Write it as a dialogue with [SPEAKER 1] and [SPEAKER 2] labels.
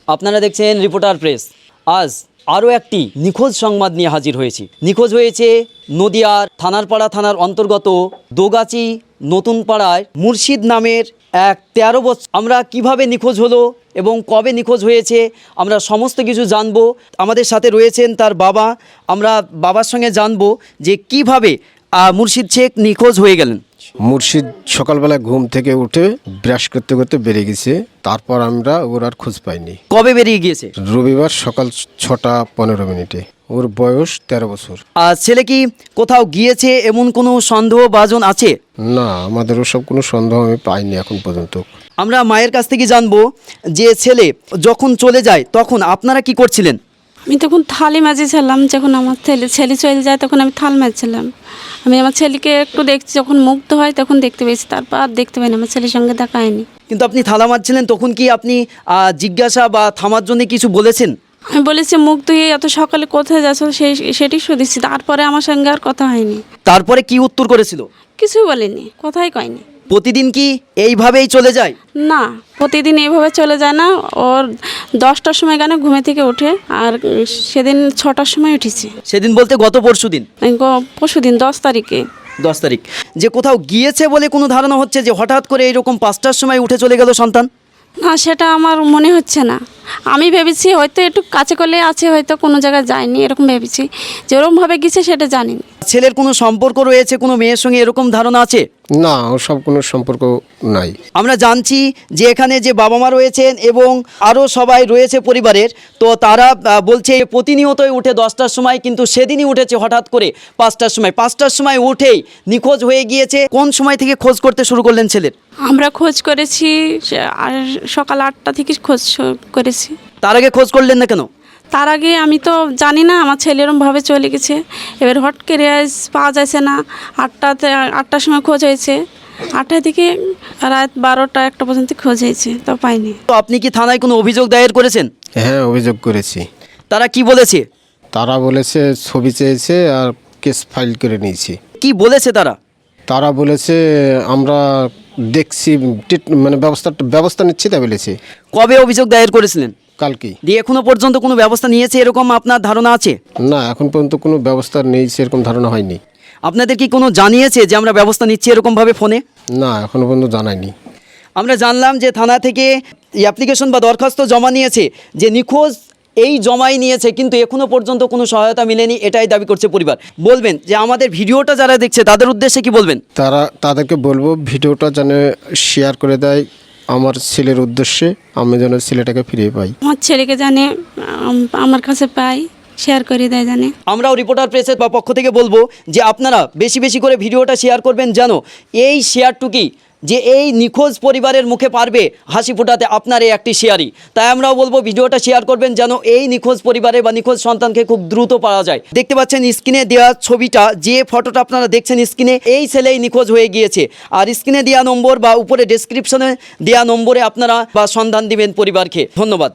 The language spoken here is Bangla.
[SPEAKER 1] আপনারা দেখছেন রিপোর্টার প্রেস। আজ আরও একটি নিখোঁজ সংবাদ নিয়ে হাজির হয়েছি। নিখোঁজ হয়েছে নদিয়ার থানারপাড়া থানার অন্তর্গত দোগাচি নতুন পাড়ায় মুর্শিদ নামের এক 13 বছর। আমরা কিভাবে নিখোঁজ হলো এবং কবে নিখোঁজ হয়েছে আমরা সমস্ত কিছু জানবো। আমাদের সাথে রয়েছেন তার বাবা। আমরা বাবার সঙ্গে জানবো যে কিভাবে মুর্শিদ শেখ নিখোঁজ হয়ে গেলেন।
[SPEAKER 2] মুর্শিদ সকালবেলা ঘুম থেকে উঠে ব্রাশ করতে করতে বেরিয়ে গেছে, তারপর আমরা ওর আর খোঁজ পাইনি।
[SPEAKER 1] কবে বেরিয়ে গিয়েছে?
[SPEAKER 2] রবিবার সকাল 6:15। ওর বয়স 13 বছর।
[SPEAKER 1] আর ছেলে কি কোথাও গিয়েছে এমন কোনো সন্দেহভাজন আছে?
[SPEAKER 2] না, আমাদের ওসব কোনো সন্দেহ আমি পাইনি এখন পর্যন্ত।
[SPEAKER 1] আমরা মায়ের কাছ থেকে জানবো যে ছেলে যখন চলে যায় তখন আপনারা কি করছিলেন?
[SPEAKER 3] আমি তখন থালি মাজেছিলাম। যখন আমার ছেলে চলে যায় তখন আমি থাল মাজছিলাম। আমি আমার ছেলেকে একটু দেখছি, যখন মুগ্ধ হয় তখন দেখতে পেয়েছি, তারপর আর দেখতে পাইনি। আমার ছেলের সঙ্গে দেখা হয়নি।
[SPEAKER 1] কিন্তু আপনি থালা মারছিলেন, তখন কি আপনি জিজ্ঞাসা বা থামার জন্য কিছু বলেছেন?
[SPEAKER 3] আমি বলেছি মুগ্ধ হয়ে এত সকালে কোথায় যাচ্ছ সেটি শুনেছি, তারপরে আমার সঙ্গে আর কথা হয়নি।
[SPEAKER 1] তারপরে কি উত্তর করেছিল?
[SPEAKER 3] কিছুই বলেনি, কথাই কয়নি।
[SPEAKER 1] প্রতিদিন কি এইভাবেই চলে যায়?
[SPEAKER 3] না, প্রতিদিন এইভাবে চলে যায় না। ওর 10টার সময় গানে ঘুমে থেকে ওঠে, আর সেদিন 6টার সময় উঠেছে।
[SPEAKER 1] সেদিন বলতে গত পরশুদিন?
[SPEAKER 3] পরশুদিন 10 তারিখে।
[SPEAKER 1] 10 তারিখ। যে কোথাও গিয়েছে বলে কোনো ধারণা হচ্ছে যে হঠাৎ করে এইরকম 5টার সময় উঠে চলে গেল সন্তান?
[SPEAKER 3] না, সেটা আমার মনে হচ্ছে না। আমি ভেবেছি হয়তো একটু কাছে করলে আছে, হয়তো কোনো জায়গায় যায়নি, এরকম ভেবেছি। যেরকমভাবে গেছে সেটা জানিনি।
[SPEAKER 1] ছেলের কোনো সম্পর্ক রয়েছে কোনো মেয়ের সঙ্গে, এরকম ধারণা আছে?
[SPEAKER 2] না, ওসব কোনো সম্পর্ক নাই।
[SPEAKER 1] আমরা জানছি যে এখানে যে বাবা মা রয়েছেন এবং আরও সবাই রয়েছে পরিবারের, তো তারা বলছে প্রতিনিয়তই উঠে 10টার সময়, কিন্তু সেদিনই উঠেছে হঠাৎ করে 5টার সময়। 5টার সময় উঠেই নিখোঁজ হয়ে গিয়েছে। কোন সময় থেকে খোঁজ করতে শুরু করলেন ছেলের?
[SPEAKER 3] আমরা খোঁজ করেছি আর সকাল 8টা থেকে খোঁজ করেছি।
[SPEAKER 1] তার আগে খোঁজ করলেন না কেন?
[SPEAKER 3] তার আগে আমি তো জানি না, আমার ছেলে এরমভাবে চলে গেছে। এবার হট করে পাওয়া যাচ্ছে না। 8টার সময় খোঁজ হয়েছে, 8টা থেকে রাত 12টা 1টা পর্যন্ত খোঁজ হয়েছে, তো পাইনি।
[SPEAKER 1] তো আপনি কি থানায় কোনো অভিযোগ দায়ের করেছেন?
[SPEAKER 2] হ্যাঁ, অভিযোগ করেছি।
[SPEAKER 1] তারা কি বলেছে?
[SPEAKER 2] তারা বলেছে ছবি চেয়েছে আর কেস ফাইল করে নিয়েছি।
[SPEAKER 1] কি বলেছে তারা?
[SPEAKER 2] তারা বলেছে আমরা দেখছি, মানে ব্যবস্থা নিচ্ছি, তা বলেছে।
[SPEAKER 1] কবে অভিযোগ দায়ের করেছিলেন?
[SPEAKER 2] কালকে।
[SPEAKER 1] দিয়ে এখনো পর্যন্ত কোনো ব্যবস্থা নিয়েছে এরকম আপনার ধারণা আছে?
[SPEAKER 2] না, এখন পর্যন্ত কোনো ব্যবস্থা নেই সেরকম ধারণা হয়নি।
[SPEAKER 1] আপনাদের কি কোনো জানিয়েছে যে আমরা ব্যবস্থা নিচ্ছি এরকমভাবে ফোনে?
[SPEAKER 2] না, এখনো পর্যন্ত জানায়নি।
[SPEAKER 1] আমরা জানলাম যে থানা থেকে অ্যাপ্লিকেশন বা দরখাস্ত জমা নিয়েছে, যে নিখোঁজ এই জমাই নিয়েছে, কিন্তু এখনো পর্যন্ত কোনো সহায়তা মিলেনি, এটাই দাবি করছে পরিবার। বলবেন যে আমাদের ভিডিওটা যারা দেখছে তাদের উদ্দেশ্যে কি বলবেন?
[SPEAKER 2] তাদেরকে বলবো ভিডিওটা যেন শেয়ার করে দেয় আমার ছেলের উদ্দেশ্যে, আমি যেন ছেলেটাকে ফিরিয়ে পাই।
[SPEAKER 3] আমার ছেলেকে জানে আমার কাছে পাই, শেয়ার করে দেয় জানে।
[SPEAKER 1] আমরাও রিপোর্টার প্রেসের পক্ষ থেকে বলবো যে আপনারা বেশি বেশি করে ভিডিওটা শেয়ার করবেন, যেন এই শেয়ারটুকি যে এই নিখোঁজ পরিবারের মুখে পারবে হাসি ফোটাতে আপনার এই একটি শেয়ারই। তাই আমরাও বলবো ভিডিওটা শেয়ার করবেন, যেন এই নিখোঁজ পরিবারে বা নিখোঁজ সন্তানকে খুব দ্রুত পাওয়া যায়। দেখতে পাচ্ছেন স্ক্রিনে দেওয়া ছবিটা, যে ফটোটা আপনারা দেখছেন স্ক্রিনে, এই ছেলেই নিখোঁজ হয়ে গিয়েছে। আর স্ক্রিনে দেওয়া নম্বর বা উপরে ডেসক্রিপশনে দেওয়া নম্বরে আপনারা বা সন্ধান দিবেন পরিবারকে। ধন্যবাদ।